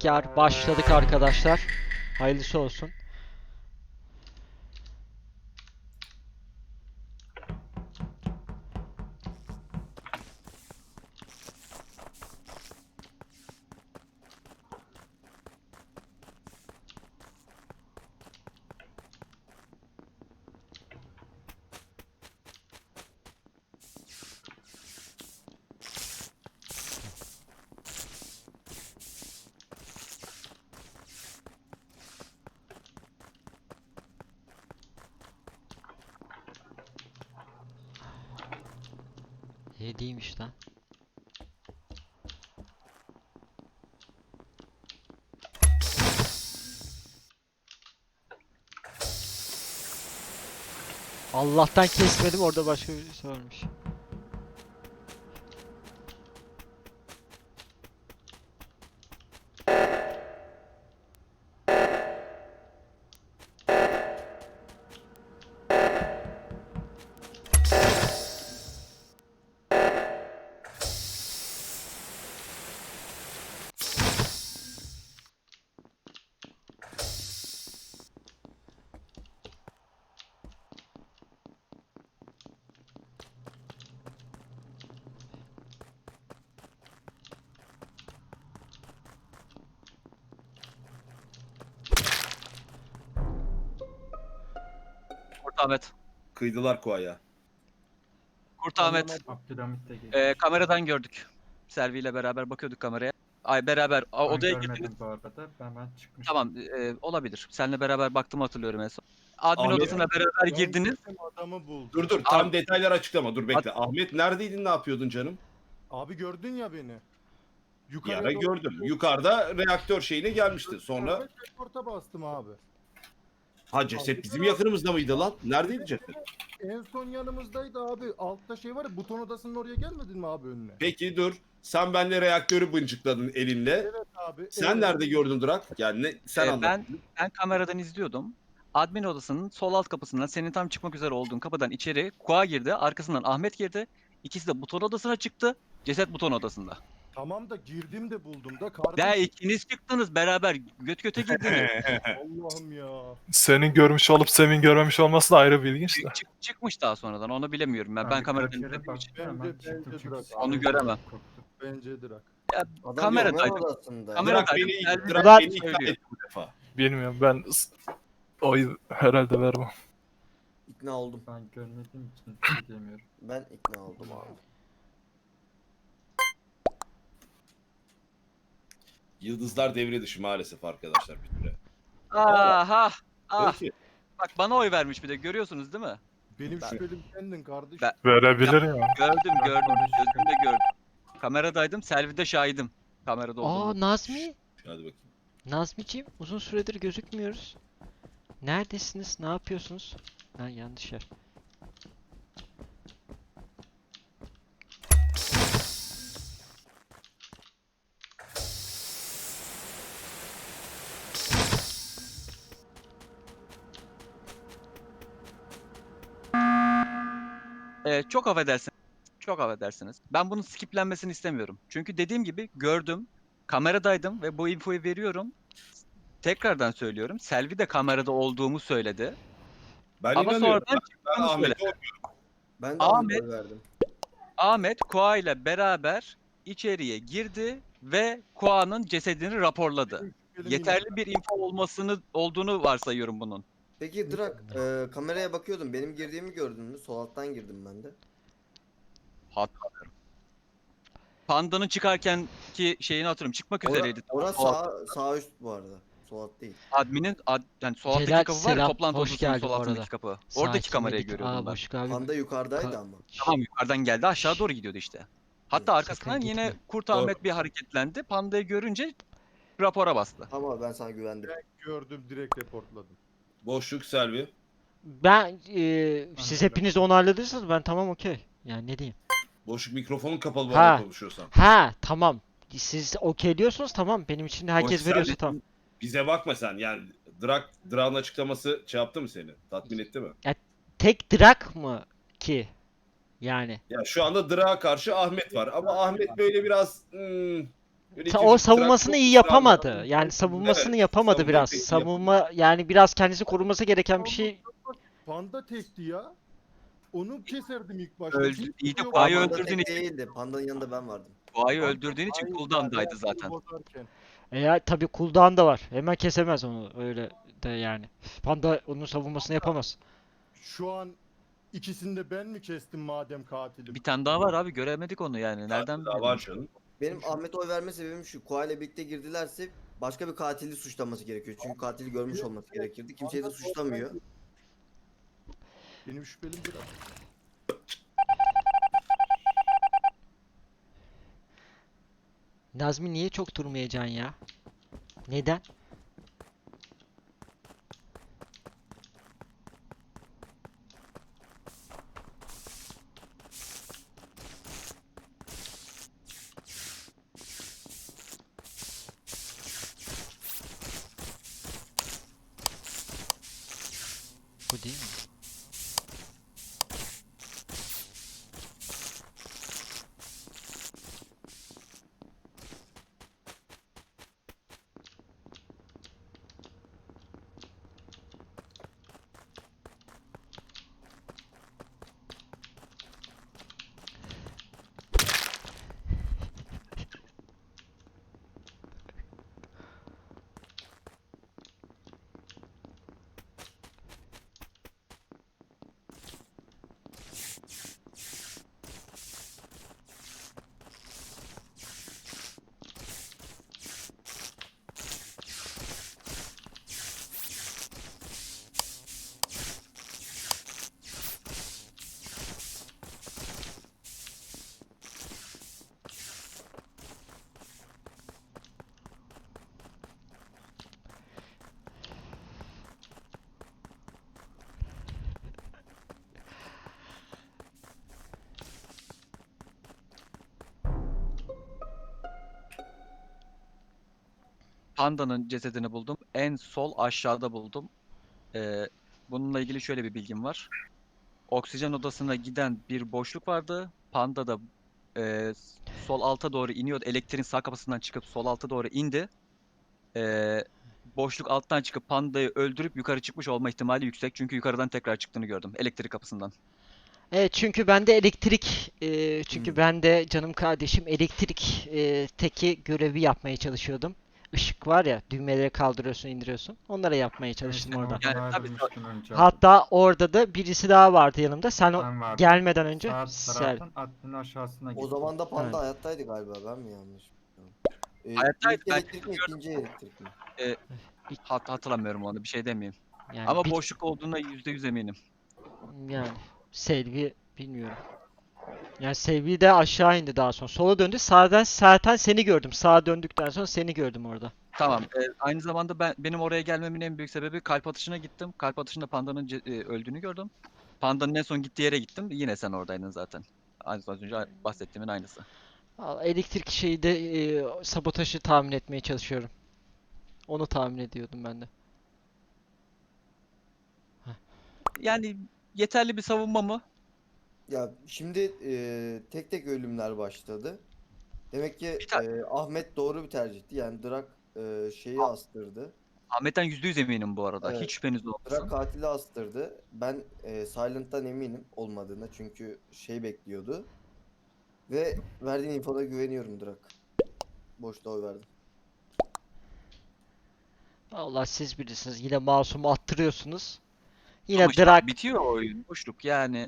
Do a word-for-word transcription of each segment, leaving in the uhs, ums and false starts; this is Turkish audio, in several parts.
Tekrar başladık arkadaşlar. Hayırlısı olsun. Hediymiş lan. Allah'tan kesmedim, orada başka birisi ölmüş. Kurt Ahmet. Kıydılar Kuaya. Kurt Ahmet. Abdülhamit de geçti. Ee, kameradan gördük. Selvi ile beraber bakıyorduk kameraya. Ay beraber a, Ben odaya görmedim girdiniz. bu arada. Ben, ben çıkmıştım. Tamam, e, olabilir. Seninle beraber baktım, hatırlıyorum en son. Admin Ahmet- odasına beraber Ben girdiniz. gittim, adamı buldum. Dur dur Abi- tam detaylar açıklama dur bekle. Ahmet neredeydin, ne yapıyordun canım? Abi gördün ya beni. Bir Yukarıya ara doğru- gördüm. Yukarıda reaktör şeyine gelmişti. Sonra Orta bastım abi. ha ceset bizim yakınımızda mıydı lan? Neredeydi ceset? En son yanımızdaydı abi. Altta şey var ya, buton odasının oraya gelmedin mi abi önüne? Peki dur. Sen benle reaktörü bıncıkladın elinle. Evet abi. Sen evet. nerede gördün Durak? Yani ne, sen Ee, anlat. ben ben kameradan izliyordum. Admin odasının sol alt kapısından, senin tam çıkmak üzere olduğun kapıdan içeri Kua girdi. Arkasından Ahmet girdi. İkisi de buton odasına çıktı. Ceset buton odasında. Tamam da girdim de buldum da kardeşim. Ve ikiniz çıktınız beraber göt göte girdiniz. Allah'ım ya. Senin görmüş olup Sem'in görmemiş olması da ayrı bir ilginç de. Çık, çık- çıkmış daha sonradan, onu bilemiyorum ben. Ben bir kameradan kırk kere izlediğim için. baktım, hemen Bence- çıktım bence çünkü bırak. Onu göremem. korktum. Bence Drak. Adam Kameradaydım. görme odasında. Kamera- Durak Kameradaydım, beni, Selvi Durak Ulan- beni ikna söylüyor. etti bu defa. Bilmiyorum, ben s- oy herhalde vermem. İkna oldum. Ben görmediğim için bir şey diyemiyorum. Ben ikna oldum abi. Yıldızlar devre dışı maalesef arkadaşlar bir süre. Aha! Ah! Peki. Bak bana oy vermiş bir de, görüyorsunuz değil mi? Benim Ben- şüphelim kendin kardeşim. Ben- Verebilir ya. Gördüm Ben gördüm. konuştum. Gözümde gördüm. Kameradaydım. Selvi'de şahidim. Kamerada olduğumu. Aa, Nazmi. Hadi bakayım. Nazmiciğim, uzun süredir gözükmüyoruz. Neredesiniz? Ne yapıyorsunuz? Ha, yanlış yer. Ee, çok affedersiniz. Çok affedersiniz. Ben bunun skiplenmesini istemiyorum. Çünkü dediğim gibi gördüm. Kameradaydım ve bu infoyu veriyorum. Tekrardan söylüyorum. Selvi de kamerada olduğumu söyledi. Ben Ama inanıyorum. sonradan Ben, ben onu Ahmet'e Ben de Ahmet- Ahmet'e verdim. Ahmet Koa ile beraber içeriye girdi ve Koa'nın cesedini raporladı. Benim şüphelim Yeterli bir info olmasını olduğunu varsayıyorum bunun. Peki Drak, e, kameraya bakıyordum. Benim girdiğimi gördün mü? Sol alttan girdim ben de. Hatırlamıyorum. Panda'nın çıkarken ki şeyini hatırlıyorum. Çıkmak Ora, üzereydi. orası Sol alt- sağ, sağ üst bu arada. Sol alt değil. Admin'in ad, yani sol alttaki Celal, kapı var ya, selam, toplantı hoş odasının geldin sol bu altındaki arada. kapı. Sakin Oradaki kamerayı Medit- görüyordum Aa, ben. Boşluk abi. Panda yukarıdaydı Ka- ama. Tamam, yukarıdan geldi, aşağı doğru gidiyordu işte. Hatta Sakın arkasından yine gitme. Kurt Doğru. Ahmet bir hareketlendi. Panda'yı görünce rapora bastı. Ama ben sana güvendim. gördüm, direkt reportladım. boşluk Selvi. Ben e, siz Anladım. hepiniz de onayladıysanız ben tamam, okey. Yani ne diyeyim? Boşluk mikrofonun kapalı bu Ha. arada konuşuyorsan. Ha, tamam. Siz okey diyorsunuz, tamam. Benim için de herkes Boş, veriyorsa sen- tamam. Bize bakma sen yani. Drak, Drak'ın açıklaması şey yaptı mı seni? Tatmin etti mi? Tek Drak mı ki? Yani. Ya şu anda Drak'a karşı Ahmet var ama Ahmet böyle biraz hmm, Yönetici o savunmasını Drak iyi çok yapamadı. ısrarla- Yani savunmasını Evet, yapamadı savunmayı biraz. pek iyi Savunma yani biraz kendisi koruması gereken bir şey. Panda tekti ya. Onu keserdim ilk başta. Öldü- Hiç iyi de yok. Kuay'ı Panda öldürdüğün tek için- değildi. Panda'nın yanında ben vardım. Boğayı öldürdüğün için Hayır, cooldown'daydı yani zaten. bozarken. E ya tabii cooldown da var. Hemen kesemez onu öyle de yani. Panda onun savunmasını yapamaz. Şu an ikisini de ben mi kestim madem katilim? Bir tane daha var abi, göremedik onu yani. Nereden Daha bilelim? var canım. Benim Ahmet oy verme sebebim şu. Koa ile birlikte girdilerse başka bir katili suçlaması gerekiyor. Çünkü katili görmüş olması gerekirdi. Kimseyi de suçlamıyor. Benim şüphelim biraz. Nazmi niye çok durmayacaksın ya? Neden? Bu değil mi? Panda'nın cesedini buldum. En sol aşağıda buldum. Ee, bununla ilgili şöyle bir bilgim var. Oksijen odasına giden bir boşluk vardı. Panda da e, sol alta doğru iniyordu. Elektriğin sağ kapısından çıkıp sol alta doğru indi. Ee, boşluk alttan çıkıp Panda'yı öldürüp yukarı çıkmış olma ihtimali yüksek. Çünkü yukarıdan tekrar çıktığını gördüm. Elektrik kapısından. Evet çünkü ben de elektrik e, çünkü Hmm. ben de canım kardeşim elektrik e, teki görevi yapmaya çalışıyordum. Işık var ya düğmeleri kaldırıyorsun indiriyorsun. Onlara yapmaya çalıştım Seni orada. oradan Yani tabii ayrılmıştım önce. Hatta orada da birisi daha vardı yanımda. Sen o Ben vardım. gelmeden önce Sağ Sel. taraftan admin aşağısına O gittim. zaman da Panda Evet. hayattaydı galiba. Ben mi yanlış biliyorum? Ee, Hayattaydı, ilk ben elektrik mi ikinci elektrik mi? Hat hatırlamıyorum onu, bir şey demeyeyim. Yani Ama bir- boşluk olduğuna yüzde yüz eminim. yani Selvi bilmiyorum. Yani Selvi de aşağı indi daha sonra. Sola döndü. Sağdan zaten seni gördüm. Sağa döndükten sonra seni gördüm orada. Tamam. e, aynı zamanda ben benim oraya gelmemin en büyük sebebi kalp atışına gittim. Kalp atışında Panda'nın ce- e, öldüğünü gördüm. Panda'nın en son gittiği yere gittim. Yine sen oradaydın zaten. Aynı az önce bahsettiğimin aynısı. Al, elektrik şeyi de e, sabotajı tahmin etmeye çalışıyorum. Onu tahmin ediyordum ben de. Yani yeterli bir savunma mı? Ya şimdi e, tek tek ölümler başladı. Demek ki Bir ta- e, Ahmet doğru bir tercihti. Yani Drak e, şeyi astırdı. Ahmet'ten yüzde yüz eminim bu arada. Evet. Hiç şüpheniz olmasın. Drak katili astırdı. Ben e, Silent'tan eminim olmadığına. Çünkü şey bekliyordu. Ve verdiğin infoda güveniyorum Drak. Boşta oy verdim. Allah siz bilirsiniz. Yine masumu attırıyorsunuz. Yine Ama işte Drak bitiyor o oyun. Boşluk yani.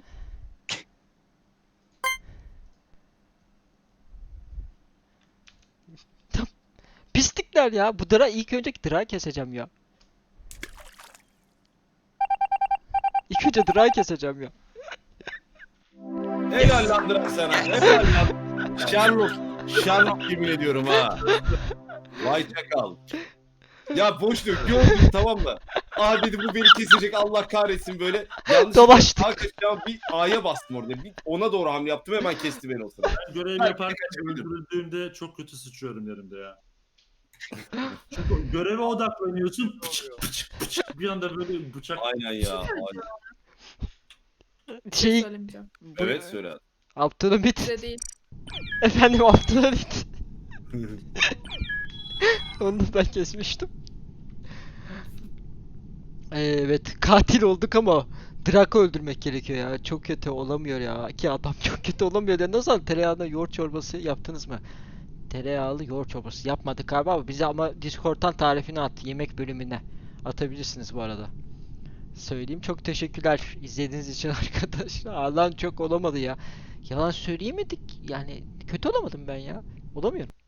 pislikler ya. Bu Drak ilk önce Drak'ı keseceğim ya. İlk önce Drak'ı keseceğim ya. Helal lan Drak sana. Helal lan. Sherlock. Sherlock yemin ediyorum ha. Vay çakal. Ya boşluk gördüm tamam mı? Abi dedi bu beni kesecek Allah kahretsin böyle. Yanlış Dolaştık. Hakikaten bir A'ya bastım orada. Bir ona doğru hamle yaptım hemen kesti beni o sırada. Görev Belki yaparken kaçabilirim. öldürüldüğümde çok kötü sıçıyorum yerimde ya. Çünkü göreve odaklanıyorsun. Pıçık pıçık pıçık bir anda böyle bıçak. Aynen ya. aynen. Şey Söylemeyeceğim. Evet söyle. Abdülhamit. Size değil. Efendim Abdülhamit. Onu da ben kesmiştim. Evet, katil olduk ama Draco öldürmek gerekiyor ya. Çok kötü olamıyor ya. Ki adam çok kötü olamıyor. Ya nasıl tereyağında yoğurt çorbası yaptınız mı? Tereyağlı yoğurt çorbası yapmadık galiba ama bize ama Discord'dan tarifini at. Yemek bölümüne. Atabilirsiniz bu arada. Söyleyeyim. Çok teşekkürler izlediğiniz için arkadaşlar. Allah'ım çok olamadı ya. Yalan söyleyemedik. Yani kötü olamadım ben ya. Olamıyorum.